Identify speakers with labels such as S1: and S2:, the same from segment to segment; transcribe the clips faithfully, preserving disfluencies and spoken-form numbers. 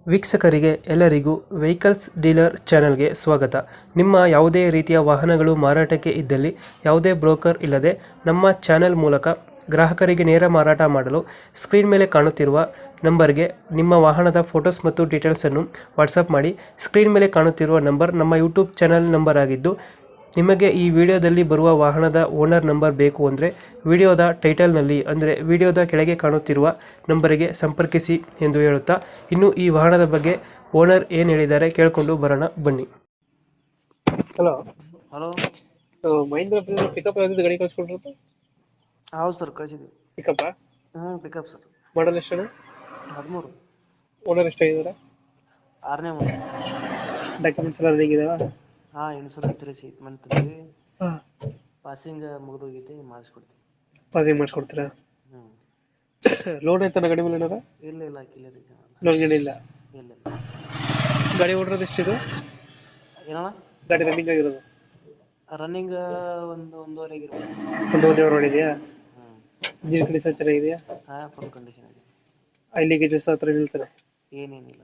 S1: ವೀಕ್ಷಕರಿಗೆ ಎಲ್ಲರಿಗೂ vehicles dealer ಚಾನೆಲ್ಗೆ ಸ್ವಾಗತ. ನಿಮ್ಮ ಯಾವುದೇ ರೀತಿಯ ವಾಹನಗಳು ಮಾರಾಟಕ್ಕೆ ಇದ್ದಲ್ಲಿ ಯಾವುದೇ ಬ್ರೋಕರ್ ಇಲ್ಲದೆ ನಮ್ಮ ಚಾನೆಲ್ ಮೂಲಕ ಗ್ರಾಹಕರಿಗೆ ನೇರ ಮಾರಾಟ ಮಾಡಲು ಸ್ಕ್ರೀನ್ ಮೇಲೆ ಕಾಣುತ್ತಿರುವ ನಂಬರ್ಗೆ ನಿಮ್ಮ ವಾಹನದ ಫೋಟೋಸ್ ಮತ್ತು ಡೀಟೇಲ್ಸನ್ನು ವಾಟ್ಸಪ್ ಮಾಡಿ. ಸ್ಕ್ರೀನ್ ಮೇಲೆ ಕಾಣುತ್ತಿರುವ ನಂಬರ್ ನಮ್ಮ ಯೂಟ್ಯೂಬ್ ಚಾನೆಲ್ ನಂಬರ್ ಆಗಿದ್ದು, ನಿಮಗೆ ಈ ವಿಡಿಯೋದಲ್ಲಿ ಬರುವ ವಾಹನದ ಓನರ್ ನಂಬರ್ ಬೇಕು ಅಂದರೆ ವಿಡಿಯೋದ ಟೈಟಲ್ನಲ್ಲಿ ಅಂದರೆ ವಿಡಿಯೋದ ಕೆಳಗೆ ಕಾಣುತ್ತಿರುವ ನಂಬರಿಗೆ ಸಂಪರ್ಕಿಸಿ ಎಂದು ಹೇಳುತ್ತಾ, ಇನ್ನು ಈ ವಾಹನದ ಬಗ್ಗೆ ಓನರ್ ಏನು ಹೇಳಿದ್ದಾರೆ ಕೇಳಿಕೊಂಡು ಬರೋಣ ಬನ್ನಿ. ಹಲೋ
S2: ಹಲೋ,
S1: ಮಹೇಂದ್ರ ಪಿಕಪ್ ಯಾವ್ದು ಗಾಡಿ ಕಳಿಸ್ಕೊಟ್ಟಿರುತ್ತೆ?
S2: ಹೌದು ಸರ್, ಕಳಿಸಿದ್ವಿ.
S1: ಪಿಕಪ್
S2: ಹ್ಞೂ ಪಿಕಪ್ ಸರ್.
S1: ಮಾಡಲ್ ಎಷ್ಟು?
S2: ಹದಿಮೂರು.
S1: ಓನರ್ ಎಷ್ಟಾಗಿದ್ದಾರೆ?
S2: ಆರನೇ ಒಂದು.
S1: ಡಾಕ್ಯುಮೆಂಟ್ಸ್ ಎಲ್ಲ ರೆಡಿ ಇದಾವ?
S2: ಹಾಂ, ಇನ್ಸೂರೆನ್ಸ್ ತ್ರೀ ಮಂತ್ ತಂದ್ವಿ.
S1: ಹಾಂ,
S2: ಪಾಸಿಂಗ್ ಮುಗಿದೋಗೈತಿ, ಮಾಡಿಸ್ಕೊಡ್ತೀವಿ.
S1: ಪಾಸಿಂಗ್ ಮಾಡಿಸ್ಕೊಡ್ತೀರಾ?
S2: ಹ್ಞೂ.
S1: ಲೋನ್ ಐತನ ಗಾಡಿ ಮೇಲೆ ಏನಾರ?
S2: ಇಲ್ಲ ಇಲ್ಲ, ಕ್ಲಿಯರ್ ಐತೆ.
S1: ಲೋನ್ ಗಾಡಿ ಇಲ್ಲ?
S2: ಇಲ್ಲ ಇಲ್ಲ.
S1: ಗಾಡಿ ಓಡಿರೋದು ಎಷ್ಟಿದೆ?
S2: ಏನಣ್ಣ?
S1: ಗಾಡಿ ರನ್ನಿಂಗ್ ಆಗಿರೋದು
S2: ರನ್ನಿಂಗ್ ಒಂದು ಒಂದೂವರೆ ಆಗಿರ್ಬೋದು.
S1: ಒಂದು ಒಂದೇ ಓಡಿದೆಯಾ?
S2: ಹ್ಞೂ.
S1: ಇಂಜಿನ್ ಕಂಡೀಷನ್ ಚೆನ್ನಾಗಿದೆಯಾ?
S2: ಹಾಂ, ಫುಲ್ ಕಂಡೀಷನ್ ಇದೆ.
S1: ಐ ಲೀಕೇಜಸ್ ಹತ್ರ ನಿಲ್ತಾರೆ?
S2: ಏನೇನಿಲ್ಲ.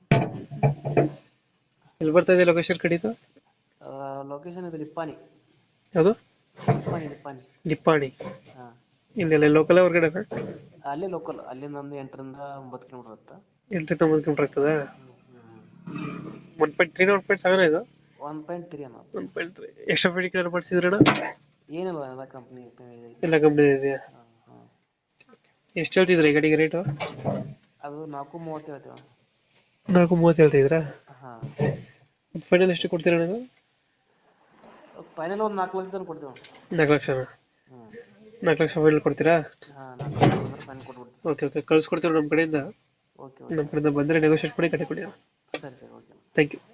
S1: ಎಲ್ಲಿ ಬರ್ತಾ ಇದೆ ಲೊಕೇಶನ್ ಕಡಿತು?
S2: ಲೊಕೇಶನ್ ಇದು ನಿಪ್ಪಾಣಿ.
S1: ಯಾವುದು?
S2: ನಿಪ್ಪಾಣಿ ನಿಪ್ಪಾಣಿ
S1: ನಿಪ್ಪಾಣಿ.
S2: ಹಾಂ,
S1: ಇಲ್ಲೆಲ್ಲ ಲೋಕಲ್ ಹೊರಗಡೆ?
S2: ಅಲ್ಲೇ ಲೋಕಲ್. ಅಲ್ಲಿಂದ ಒಂದು ಎಂಟರಿಂದ ಒಂಬತ್ತು ಕಿಲೋಮೀಟರ್ ಆಗುತ್ತೆ.
S1: ಎಂಟು ತೊಂಬತ್ತು ಕಿಲೋಮೀಟರ್ ಆಗ್ತದೆ.
S2: ಹ್ಞೂ.
S1: One point three one point seven ಇದು?
S2: ಒನ್ ಪಾಯಿಂಟ್ ತ್ರೀ ಅನ್ನೋದು.
S1: One point three extra fitting ಏನಾರು ಮಾಡಿಸಿದ್ರಣ?
S2: ಏನಿಲ್ಲ, ಎಲ್ಲ ಕಂಪ್ನಿ
S1: ಎಲ್ಲ ಕಂಪ್ನಿ ಇದೆಯಾ?
S2: ಹಾಂ ಹಾಂ.
S1: ಎಷ್ಟು ಹೇಳ್ತಿದ್ರಿ ಈ ಗಾಡಿಗೆ ರೇಟು?
S2: ಅದು ನಾಲ್ಕು ಮೂವತ್ತು ಹೇಳ್ತೀವಿ.
S1: ನಾಲ್ಕು ಮೂವತ್ತು ಹೇಳ್ತಿದ್ರಾ?
S2: ಹಾಂ.
S1: ಫೈನಲ್ ಎಷ್ಟು ಕೊಡ್ತೀರಾ ನನಗೆ?
S2: ಫೈನಲ್ ಒಂದು ನಾಲ್ಕು ಲಕ್ಷ ತನಕ ಕೊಡ್ತೀವಿ.
S1: ನಾಲ್ಕು ಲಕ್ಷನಾ?
S2: ಹ್ಞೂ.
S1: ನಾಲ್ಕು ಲಕ್ಷ ಫೈನಲ್ ಕೊಡ್ತೀರಾ?
S2: ಹಾಂ, ನಾಲ್ಕು ಲಕ್ಷ ಅಂದ್ರೆ ಫೈನಲ್ ಕೊಟ್ಬಿಡ್ತೀವಿ.
S1: ಓಕೆ ಓಕೆ, ಕಳ್ಸ್ಕೊಡ್ತೀವಿ ನಮ್ಮ ಕಡೆಯಿಂದ.
S2: Okay okay.
S1: ನಮ್ಮ ಕಡೆಯಿಂದ ಬಂದರೆ ನೆಗೋಷಿಯೇಟ್ ಮಾಡಿ ಗಾಡಿ ಕೊಡಿ.
S2: ಸರಿ ಸರಿ, ಓಕೆ.
S1: Thank you.